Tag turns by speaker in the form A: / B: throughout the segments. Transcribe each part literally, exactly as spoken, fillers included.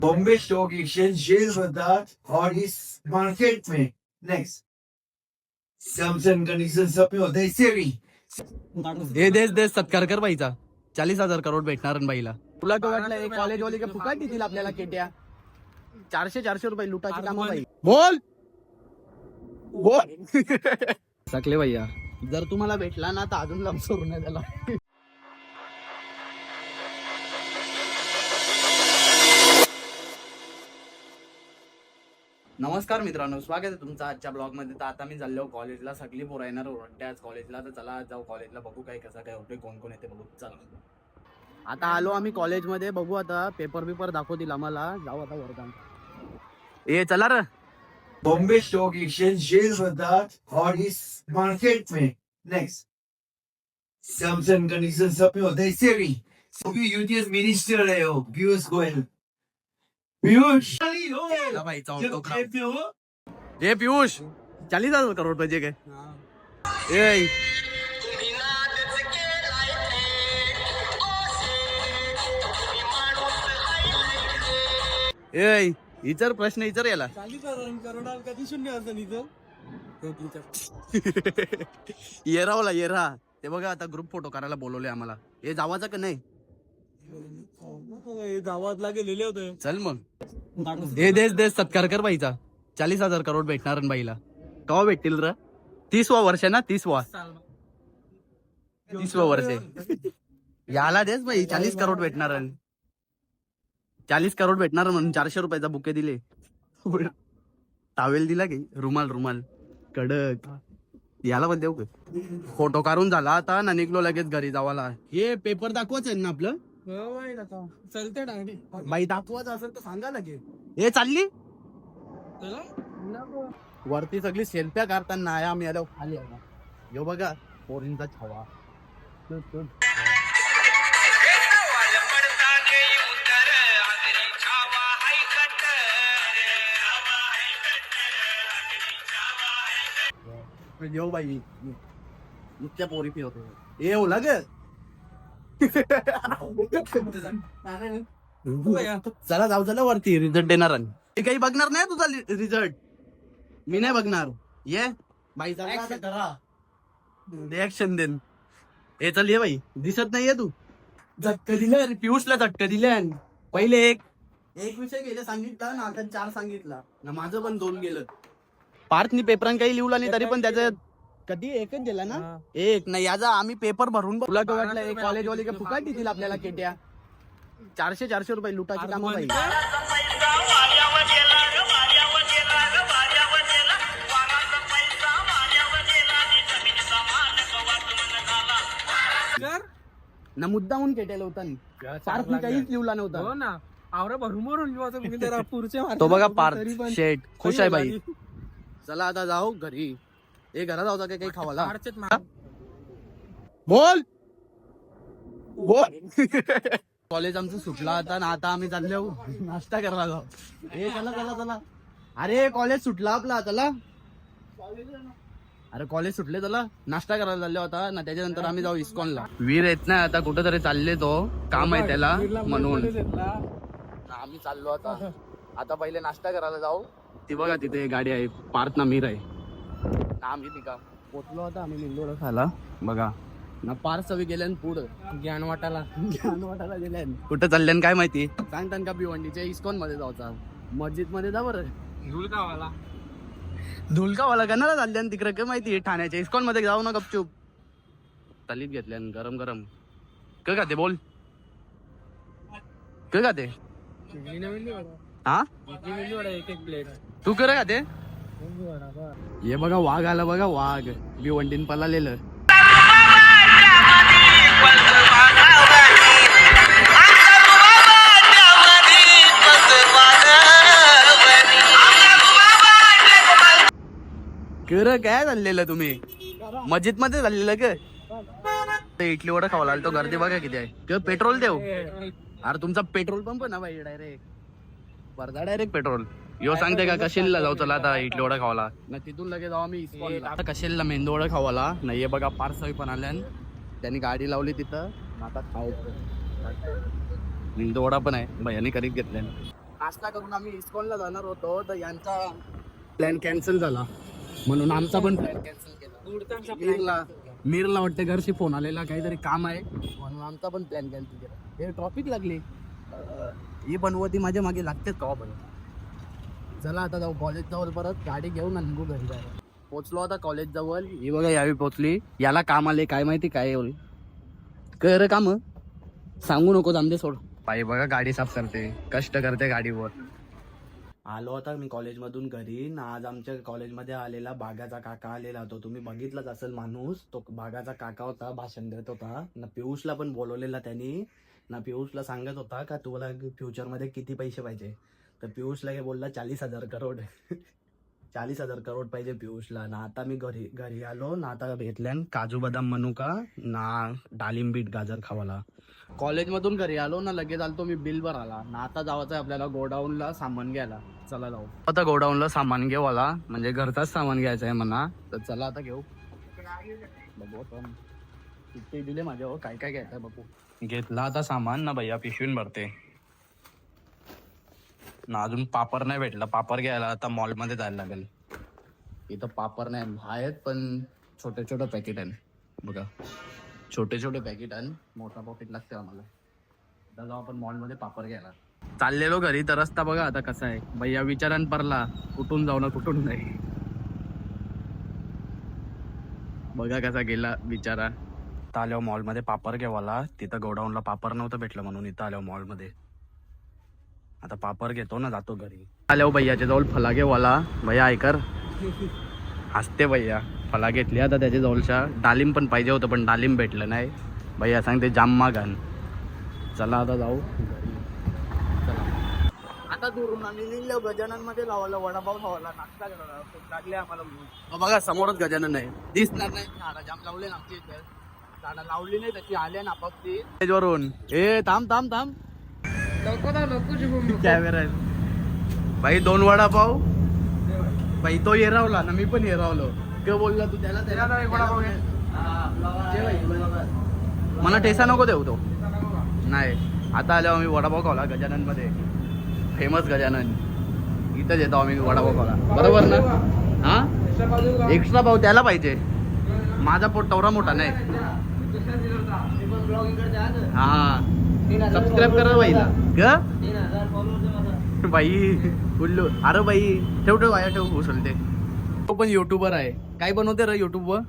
A: Bombay stock exchange share होतात और इस मार्केट में नेक्स्ट टर्म्स एंड कंडीशन सब में होता है सेवी
B: हे देश देश सत्कार कर बाईचा चाळीस हजार करोड भेटणार आणि बाईला तुला काय वाटलं कॉलेज वाले का फुकाट देतील आपल्याला केट्या चारशे चारशे रुपये लुटाची कामं बाई बोल बोल सकले भैया जर तुम्हाला भेटला ना तर अजून लांब सोडून नाही त्याला. नमस्कार मित्रांनो, स्वागत आहे तुमचं आजच्या ब्लॉग मध्ये. तर आता मी चाललो कॉलेजला. सगळी पोरं येणार वाटते आज कॉलेजला. तर चला आज जाऊ कॉलेजला, बघू काय कसं काय होतंय, कोण कोण येते बघू. चला आता आलो आम्ही कॉलेजमध्ये, बघू आता पेपर पेपर दाखवतील आम्हाला. जाऊ आता वर्गात. ए चला रे.
A: बॉम्बे स्टॉक एक्सचेंज शेयर होतात और इस मार्केट में नेक्स्ट टर्म्स एंड कंडीशन सब में होता है सेवी. सभी यूटीएस मिनिस्टर है हो पीयूष गोयल. पीयूष
B: चला भाई जाऊ. ए पीयूष चालीस हजार करोड पाहिजे काय? ए ए विचार प्रश्न विचार याला.
C: चालीस हजार करोडा कधी शून्य असं इथं
B: येरावला येरा. ते बघा आता ग्रुप फोटो करायला बोलवले आम्हाला. हे जावाचा का नाही?
C: गावातला गेलेले होते.
B: चल मग. हे देश देश सत्कार कर बाईचा. चाळीस हजार करोड भेटणार आणि बाईला केव्हा भेटतील र? तीसवा वर्ष ना? तीसवा तीसवा वर्ष याला देस बाई. चाळीस करोड भेटणार आणि चाळीस करोड भेटणार म्हणून चारशे रुपयाचा बुके दिले. टावेल दिला की रुमाल रुमाल कडक. याला पण देऊ का? फोटो काढून झाला आता ना, निघलो लगेच घरी जावाला. हे पेपर दाखवाच आहे ना आपलं.
C: चलते डांगडी
B: बाई दाखवाच असेल तर सांगा लगेच. हे चालली वरती सगळी सेल्फ्या काढताना आम्ही आलो खाली. यो बघा पोरींचा छवा. यो बाई नुसत्या पोरी पिवतो. ए ओला ग. चला जाऊ चला वरती. रिझल्ट देणार आणि काही बघणार नाही तुझा रिझल्ट. मी नाही बघणार. ये बाई रिॲक्शन देन. हे चल ये बाई. दिसत नाहीये तू. झटक दिल्या पियुषला. झटक दिल्या. पहिले एक एक विषय गेले सांगितला ना, आता चार सांगितला ना. माझं पण दोन गेलं. पार्थनी पेपरान काही लिहला नाही तरी पण त्याचं कधी एकच दिला ना. एक नाही याचा आम्ही पेपर भरून. तुला काय वाटलं कॉलेज वाले का फुकाट देतील आपल्याला केट्या चारशे चारशे रुपये लुटाची कामं बाई. ना मुद्दाहून केटेला होता. पार्थनी काहीच लिहला नव्हता.
C: हो ना. आवरा भरून भरून पुढचे
B: तो बघा पार्थ शेट खुश आहे बाई. चला आता जाऊ घरी. ए घरात जाऊ काही खावाला. बोल बोल. कॉलेज आमचं सुटला आता ना. आता आम्ही चाललो नाश्ता करायला जाऊ. ए चला चला चला. अरे कॉलेज सुटला आपला. चला अरे कॉलेज सुटले. चला नाश्ता करायला चाललो होता ना. त्याच्यानंतर आम्ही जाऊ इस्कॉनला. वीर येत नाही आता कुठं तरी चालले. तो काम आहे त्याला म्हणून आम्ही चाललो आता. आता पहिले नाश्ता करायला जाऊ. ती बघा तिथे गाडी आहे. पार्थ ना मीर आहे ना. आम्ही तिका पोचलो होता. आम्ही लिंगोडा खाला बघा ना. पार्थ सगळी गेल्यान पुढं
C: ज्ञान वाटायला
B: ज्ञान वाटायला गेल्यान. कुठं चालल्यान काय माहिती. सांगतान का भिवंडीच्या इस्कॉन मध्ये जाऊचा. मस्जिद मध्ये जा बरं.
C: धुलकावाला
B: धुलकावाला कणाला चालल्यान तिकडे काय माहिती. ठाण्याच्या इस्कॉन मध्ये जाऊ ना गपचूप. तलीत घेतल्यान गरम गरम. काय का ते बोल. काय का ते हा
C: एक एक प्लेट
B: तू कर का ते. हे बघा वाघ आला बघा. वाघ भिवंडीन पळालेलं. कर काय चाललेलं तुम्ही मस्जिद मध्ये चाललेलं का? इडली वडा खावा लागला. तो गर्दी बघा किती आहे. किंवा पेट्रोल देऊ. अरे तुमचा पेट्रोल पंप ना बाई. Direct Wardha direct petrol. यो सांगते का कशेलला जाऊ. चला आता इडली वडा खावाला ना. तिथून लगेच जाऊ आम्ही आता कशेलला मेंदू वडा खावाला. नाही हे बघा पार्सवी पण आल्यान. त्यांनी गाडी लावली तिथं. आता खायचं मेंदू वडा पण आहे. भैयाने करीत घेतल्यान. नाश्ता करून आम्ही इस्कॉनला जाणार होतो तर यांचा प्लॅन कॅन्सल झाला म्हणून आमचा पण प्लॅन कॅन्सल केला. मीरला मीरला वाटतं घरशी फोन आलेला काहीतरी काम आहे म्हणून आमचा पण प्लॅन कॅन्सल केला. हे ट्रॉफिक लागली ही बनवती माझ्या मागे लागतेच का पण. चला आता जाऊ कॉलेज जवळ परत गाडी घेऊन आणि निघू घरी जायला. पोचलो आता कॉलेज जवळ. ही बघा यावी पोचली. याला काम आले काय माहिती काय होईल. कर काम सांगू नको जामदे सोड. पायी बघा गाडी साफ करते कष्ट करते गाडीवर. आलो आता मी कॉलेजमधून घरी ना. आज आमच्या कॉलेजमध्ये आलेला बागाचा काका आलेला होता. तुम्ही बघितलाच असेल माणूस तो बागाचा काका होता. भाषण देत होता ना. पियुषला पण बोलवलेला त्यांनी ना. पियुषला सांगत होता का तुला फ्युचरमध्ये किती पैसे पाहिजे तर पियुषला काय बोलला चाळीस हजार करोड चाळीस हजार करोड पाहिजे पियुषला ना. आता मी घरी घरी आलो ना. आता घेतल्यान काजू बदाम म्हणू का ना डाळिंब बीट गाजर खावाला. कॉलेजमधून घरी आलो ना लगेच आलो मी बिल भराला ना. आता जायचं आहे आपल्याला गोडाऊनला सामान घ्यायला. चला जाऊ आता गोडाऊनला सामान घेऊ आला म्हणजे घरचाच सामान घ्यायचं आहे म्हणा. तर चला आता घेऊ बघू पण किती दिले माझ्या हो काय काय घ्यायचं बघू. घेतला आता सामान ना भैया पिशवीन भरते ना. अजून पापर नाही भेटला. पापर घ्यायला आता मॉलमध्ये जायला लागेल. इथं पापर नाही आहेत पण छोटे छोटे पॅकेट आहे बघा. छोटे छोटे पॅकेट आहे मोठा पॉकेट लागते आम्हाला. आता जाऊ आपण मॉलमध्ये पापर घ्यायला. चाललेलो घरी तर रस्ता बघा आता कसा आहे. भैया विचारान परला कुठून जाऊ ना कुठून नाही. बघा कसा गेला विचारा. इथं आल्यावर मॉलमध्ये पापर घ्यावाला. तिथं गोडाऊनला पापर नव्हतं भेटलं म्हणून इथं आल्यावर मॉलमध्ये. आता पापर घेतो ना जातो घरी. आल्यावर भैयाच्या जवळ फला घेवाला. भैया ऐकर हसते भैया. फला घेतली आता त्याच्या जवळच्या. डालिंब पण पाहिजे होतं पण डालिंब भेटलं नाही. भैया सांगते जाम मागान. चला आता जाऊ घरी. चला आता दुरून आम्ही निघलो. गजानन मध्ये लावला वडापाव खावाला नाश्ता करायला लागले आम्हाला. बघा समोरच गजानन आहे. दिसणार नाही झाडा जाम लावले ना आमच्या इथे. झाडा लावली नाही त्याची आले ना आपापती वरून. ए थांब थांब थांब कॅमेरा भाई. दोन वडापाव भाई. तो येरावला ना मी पण येरावलो. क बोलला तू त्याला मला टेसा नको देऊ तो नाही. आता आल्यावर आम्ही वडापाव खावला गजानन मध्ये. फेमस गजानन इथंच येतो आम्ही वडापाव खावला बरोबर ना. हा एक्स्ट्रा पाव त्याला पाहिजे. माझा पोट तेवढा मोठा नाही. हा सबस्क्राईब करा बाईला ग बाई. बोललो अरे बाई ठेव ठेव आया ठेव उचलते. तो पण युट्यूबर आहे. काय बनवते रे युट्यूब वर.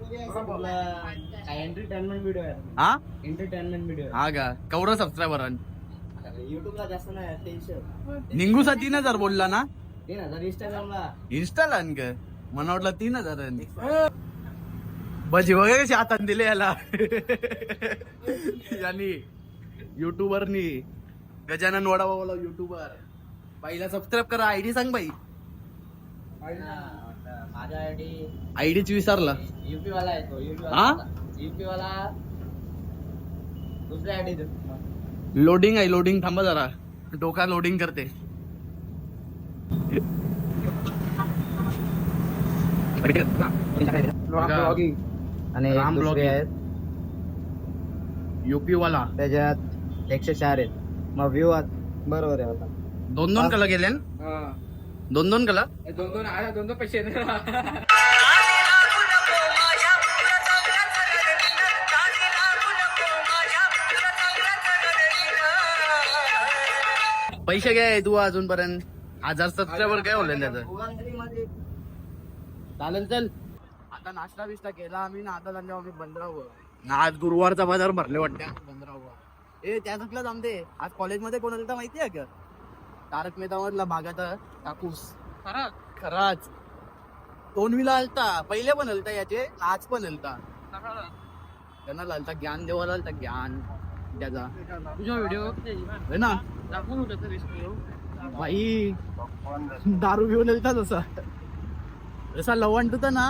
C: एंटरटेनमेंट व्हिडिओ आहे.
B: हा
C: एंटरटेनमेंट व्हिडिओ
B: हा का कवडा सबस्क्रायबर
C: युट्यूबला जास्त नाही टेन्शन.
B: निंगू सा तीन हजार बोलला ना.
C: तीन हजार इंस्टाग्रामला
B: इन्स्टाला का मला वाटलं तीन हजार. बजी वगैरे कशी हातात दिले याला यांनी युट्यूबरनी. गजानन वडापावला युट्यूबर. बाईला सबस्क्राईब करा. आयडी सांग बाई.
C: माझा आयडी
B: आयडीच विसरला.
C: युपी वाला आहे तो. युपी
B: हा
C: युपी वाला दुसऱ्या आयडी.
B: लोडिंग आहे लोडिंग. थांबा जरा डोका लोडिंग करते.
C: आणि
B: राम
C: दुसरे
B: ब्लॉगिंग.
C: आहेत
B: युपी वाला
C: त्याच्यात एकशे चार आहेत. मग व्ह्यू बरोबर आहे आता.
B: दोन दोन कला गेले दोन दोन कला.
C: दोन दोन आला दोन दोन पैसे.
B: पैसे काय तू अजूनपर्यंत हजार सबस्क्रायबर काय होले त्याचं. चालेल चल. आता नाश्ता बिस्टा केला आम्ही ना. आता चाललो आम्ही बंदरावर ना. आज गुरुवारचा बाजार भरले वाटते बंदरावर. ए त्याच्यातलं जमते. आज कॉलेजमध्ये कोण आलं माहिती आहे का. तारक मेहता मधला भागाचा कापूस.
C: खरं
B: खराच तोंडवीला आलता. पहिले पण हलता याचे आज पण हलता. त्यांना लालता ज्ञान देवाला आलता ज्ञान त्याचा.
C: तुझा व्हिडिओ
B: है ना
C: दाखवून होता
B: भाई. दारू घेऊन येतात जसा जसा लवंट होता ना.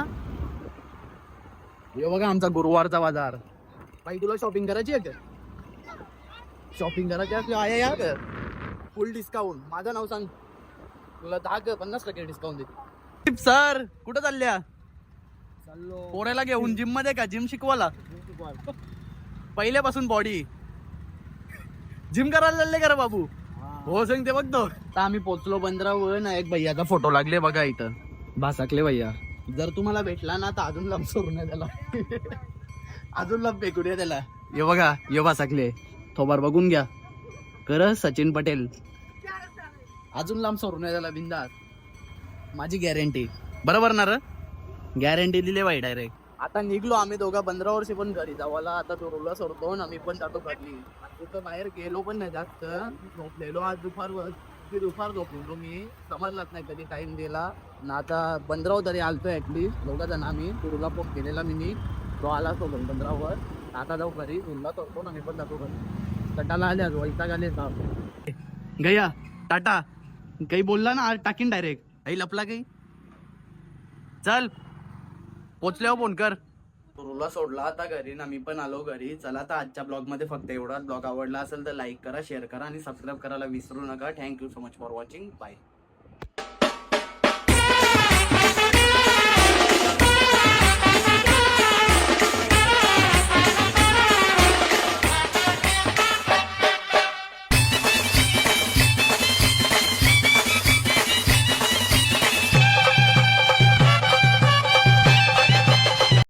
B: हे बघा आमचा गुरुवारचा बाजार. भाई तुला शॉपिंग करायची आहे का. शॉपिंग करायची असली आया या का फुल डिस्काउंट. माझं नाव सांग तुला दहा का पन्नास टक्के डिस्काउंट देते. सर कुठं चालल्या.
C: चाललो
B: पोऱ्याला घेऊन जिम मध्ये का. जिम शिकवाला पहिल्यापासून बॉडी जिम करायला चालले का रे बाबू. हो सांगते बघतो. आता आम्ही पोचलो बंदरावर ना, एक भैयाचा फोटो लागले बघा इथं, भासाकले भैया. जर तुम्हाला भेटला ना तर अजून लांब सोडून द्या त्याला. अजून लांब फेकून द्या त्याला. ये बघा, ये भासाकले थोबार बघून घ्या. कर सचिन पटेल. अजून लांब सोडून द्या त्याला बिंदास. माझी गॅरंटी. बरोबर ना रे? गॅरंटी दिली बाई डायरेक्ट. आता निघलो आम्ही दोघा बंदरावरशी पण घरी जावाला. आता तो रोला सोडतो ना, मी पण जातो घरी. तिथं बाहेर गेलो पण नाही जास्त, झोपलेलो आज दुपारवर. की दुपार झोपलेलो मी, समजलाच नाही कधी टाइम दिला ना. आता बंदरावर तरी आलतो ऍटलीस्ट दोघा जण आम्ही. तुरुला फोन केलेला मी नी, तो आला तो बंदरावर. आता जाऊ घरी, तुला करतो ना, मी पण जातो घरी. कटाला आले आज, वैताग आले साहेब. गया टाटा. काही बोलला ना आज टाकीन डायरेक्ट. काही लपला काही. चल पोचल्यावर फोन कर. तुरुला सोडला आता घरी ना, मी पण आलो घरी. चला आता आजच्या ब्लॉग मध्ये फक्त एवढाच. ब्लॉग आवडला असेल तर लाईक करा, शेअर करा आणि सबस्क्राईब करायला विसरू नका. Thank you so much for watching. Bye.